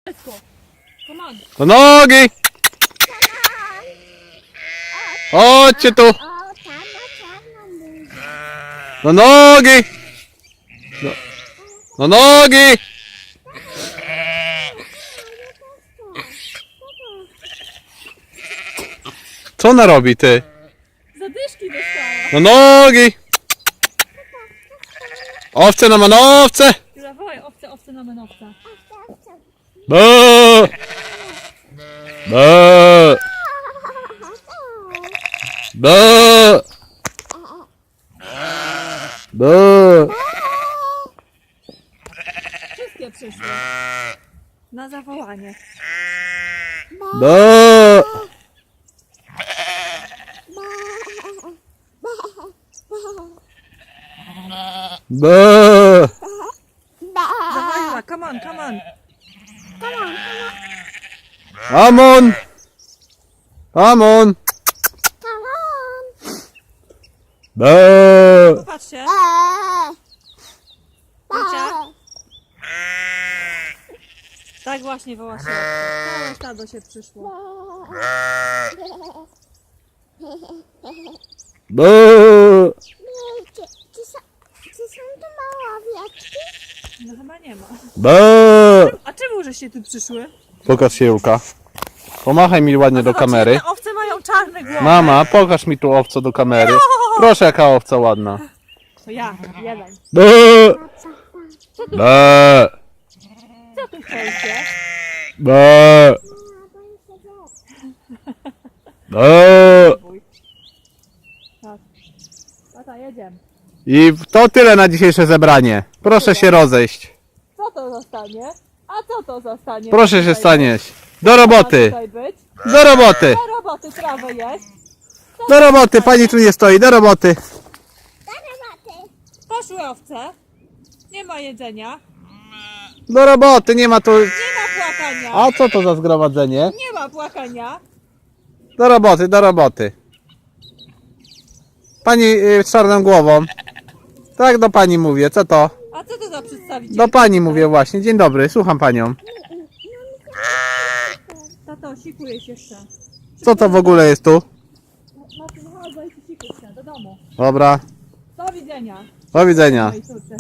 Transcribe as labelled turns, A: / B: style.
A: Come on.
B: Do nogi! Chodźcie tu! Do nogi! Do nogi! Co ona robi, ty?
A: Zadyszki dostała.
B: Do nogi! Owce na manowce!
A: Zawołaj owce na menowca.
B: Bă! Bă! Bă! Bă!
A: Wszystkie przyszły. Na zawołanie.
B: Bă! Bă!
A: Zawołaj, come on, come on.
B: Amon! Amon! Bă!
A: Popatrzcie. Wiecie? Tak właśnie woła się. Całe stado się przyszło.
B: Bă!
C: Czy są tu małe owieczki?
A: No chyba nie ma.
B: Bă!
A: A czemu żeście tu przyszły?
B: Pokaż się, Julka. Pomachaj mi ładnie do kamery.
A: Te owce mają czarne głowy.
B: Mama, pokaż mi tu owco do kamery. Proszę, jaka owca ładna.
A: To ja, jeden.
B: Bă! Bă!
A: Co tu chcecie?
B: Bă! Bă!
A: Bój. Tak. Tata, jedziemy.
B: I to tyle na dzisiejsze zebranie. Proszę się rozejść.
A: Co to zostanie? A co to zostanie?
B: Proszę się
A: Tutaj
B: stanieć. Do
A: ma
B: roboty.
A: tutaj być?
B: Do roboty.
A: Do roboty trawę jest.
B: Do roboty. Pani tu nie stoi. Do roboty.
A: Poszły owce. Nie ma jedzenia.
B: Do roboty. Nie ma tu...
A: Nie ma płakania.
B: A co to za zgromadzenie?
A: Nie ma płakania.
B: Do roboty, do roboty. Pani z czarną głową. Tak do pani mówię. Co to?
A: A co to za przedstawiciel?
B: Do pani mówię właśnie. Dzień dobry. Słucham panią.
A: Tato, sikujesz jeszcze.
B: Co to w ogóle jest tu?
A: Marcin, chodź, bo się sikuj się do domu.
B: Dobra.
A: Do widzenia.
B: Do widzenia.
A: Mojej córce.